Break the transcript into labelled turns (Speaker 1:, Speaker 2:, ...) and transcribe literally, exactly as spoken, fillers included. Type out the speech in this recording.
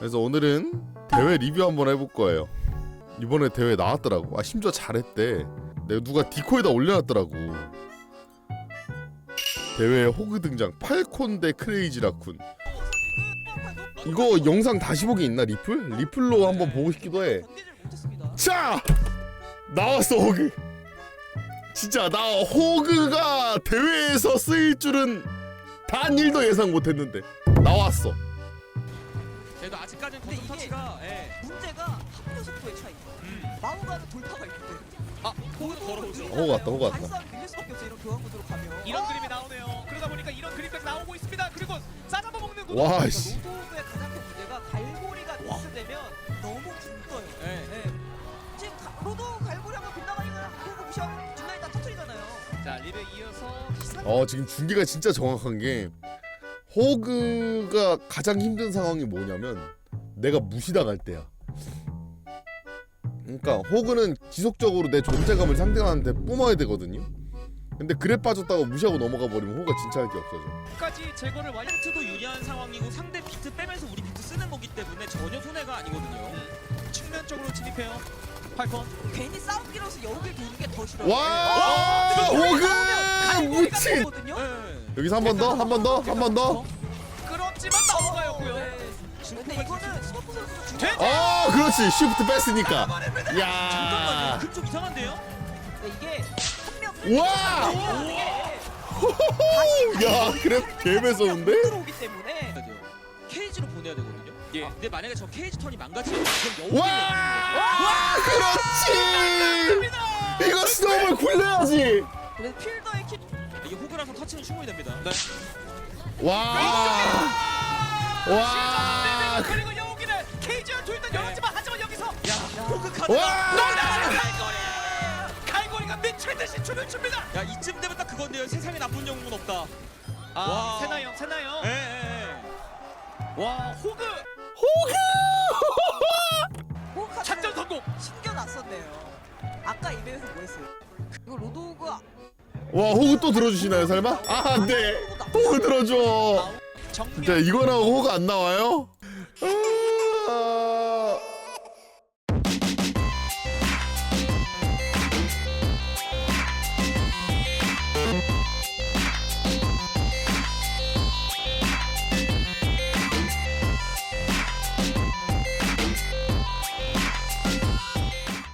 Speaker 1: 그래서 오늘은 대회 리뷰 한번 해볼 거예요. 이번에 대회 나왔더라고. 아 심지어 잘했대. 내가 누가 디코에다 올려놨더라고. 대회에 호그 등장. 팔콘 대 크레이지 라쿤. 이거 영상 다시 보기 있나 리플? 리플로 한번 보고 싶기도 해. 자! 나왔어 호그. 진짜 나 호그가 대회에서 쓰일 줄은 단 일도 예상 못했는데 나왔어.
Speaker 2: 그래도 아직까지는 거점 터치가 예.
Speaker 3: 문제가 합류 속도의 차이.
Speaker 2: 음.
Speaker 3: 마오가는 돌파가 있거든.
Speaker 2: 아 호그도 걸어오죠.
Speaker 1: 호그 왔다, 호그 왔다.
Speaker 3: 발싸움 밀릴 수밖에 없어 이런 교환 구도로 가면.
Speaker 2: 이런 그림이 나오네요. 그러다 보니까 이런 그림까지 나오고 있습니다. 그리고 싸잡아 먹는 구도.
Speaker 1: 와 씨.
Speaker 3: 로도의 가장 큰 문제가 갈고리가 미스되면 너무 굶떠요.
Speaker 2: 예.
Speaker 3: 네. 지금 가, 로도 갈고리 한번 빗나가니까 그거 무시하고 뒷라인 다 터트리잖아요.
Speaker 2: 자 리뷰 이어서 시상.
Speaker 1: 어 지금 중계가 진짜 정확한 게 호그가 가장 힘든 상황이 뭐냐면 내가 무시당할 때야. 그러니까 호그는 지속적으로 내 존재감을 상대방한테 뿜어야 되거든요. 근데 그래 빠졌다고 무시하고 넘어가 버리면 호그가 진짜 할 게 없어져.
Speaker 2: 까지 제거를 완.
Speaker 4: 비트도 유리한 상황이고 상대 비트 빼면서 우리 비트 쓰는 거기 때문에 전혀 손해가 아니거든요.
Speaker 2: 음. 측면 쪽으로 진입해요. 팔콘.
Speaker 3: 괜히 싸움기로서 여우길 도는 게 더 싫어요.
Speaker 1: 와 호그 미친.
Speaker 3: 거든요.
Speaker 2: 예.
Speaker 1: 여기서 한 번 더, 한 번 더, 한 번 더.
Speaker 2: 끌었지만 넘어가였고요.
Speaker 3: 근데 이거는 스머프 선수도 중요.
Speaker 2: 돼?
Speaker 1: 아 그렇지 쉬프트 뺐으니까. 야.
Speaker 4: 잠깐만요. 그좀 이상한데요?
Speaker 3: 이게 한명
Speaker 1: 와. 야 그래 개 매서운데?
Speaker 3: 들어오기 때문에
Speaker 4: 해야 돼요. 케이지로 보내야 되거든요.
Speaker 2: 예.
Speaker 4: 아, 근데 만약에 저 케이지 턴이 망가지면 그럼 여우.
Speaker 1: 와! 와 그렇지. 이거 스노우볼 굴려야지.
Speaker 3: 그래서 필더의 키
Speaker 4: 이게 호그라서 터치는 충분히 됩니다.
Speaker 2: 네.
Speaker 1: 와. 와.
Speaker 2: 그리고 여우기는 케이지와 둘다 열었지만 하지만 여기서
Speaker 4: 야, 호그 카드.
Speaker 1: 와.
Speaker 2: 갈고리. 갈고리가 미칠 듯이 춤을 춥니다.
Speaker 4: 야, 이쯤 되면 딱 그건데요. 세상에 나쁜 영웅은 없다.
Speaker 2: 아
Speaker 4: 와.
Speaker 2: 세나요, 세나요.
Speaker 4: 예, 예, 예.
Speaker 2: 와 호그
Speaker 3: 호카드
Speaker 2: 작전 성공.
Speaker 3: 숨겨놨었네요. 아까 이벤트에서 뭐 했어요? 이거 로도우가
Speaker 1: 와 호그 또 들어주시나요 설마? 아 안돼. 호그 들어줘.
Speaker 2: 정면.
Speaker 1: 진짜 이거나 호그 안 나와요? 아.